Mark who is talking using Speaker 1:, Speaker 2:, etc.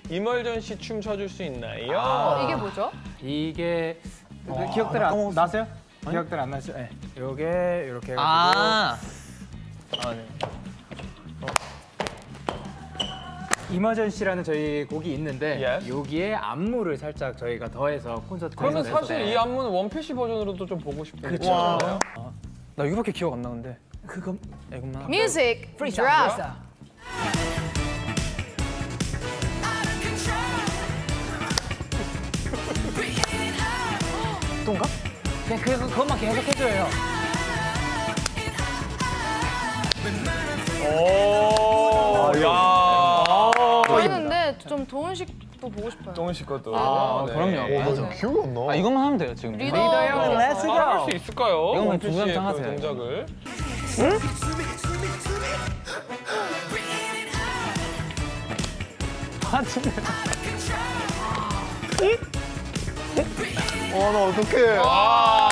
Speaker 1: 이멀전시 춤 춰줄 수 있나요?
Speaker 2: 이게 뭐죠?
Speaker 3: 이게 기억들 안 나세요? 기억들 안 나시죠? 네. 요게 이렇게 해가지고
Speaker 4: 아, 네.
Speaker 3: 이머전시라는 저희 곡이 있는데
Speaker 1: Yes.
Speaker 3: 여기에 안무를 살짝 저희가 더해서 콘서트
Speaker 1: 그러면
Speaker 3: 콘서트에서
Speaker 1: 사실 이 안무는 원피스 버전으로도 좀 보고 싶은데.
Speaker 3: 그쵸.
Speaker 1: 괜찮아요?
Speaker 4: 나 이거밖에 기억 안 나는데.
Speaker 3: 그거
Speaker 4: 이것만.
Speaker 2: 뮤직 드랍.
Speaker 3: 또인가? 그냥 그것만 계속 해줘요.
Speaker 1: 오, 야.
Speaker 2: 했는데 좀 도훈식도 보고 싶어요.
Speaker 1: 동훈 씨 것도. 네.
Speaker 4: 그럼요.
Speaker 5: 나 기억이 안 나.
Speaker 4: 아, 이것만 하면 돼요, 지금.
Speaker 2: 리더요.
Speaker 3: 렛츠 고.
Speaker 1: 할 수 있을까요?
Speaker 4: 이거만
Speaker 1: 원피스의
Speaker 4: 중간장
Speaker 1: 그
Speaker 4: 하세요.
Speaker 1: 동작을.
Speaker 5: 나 어떡해.
Speaker 1: 아,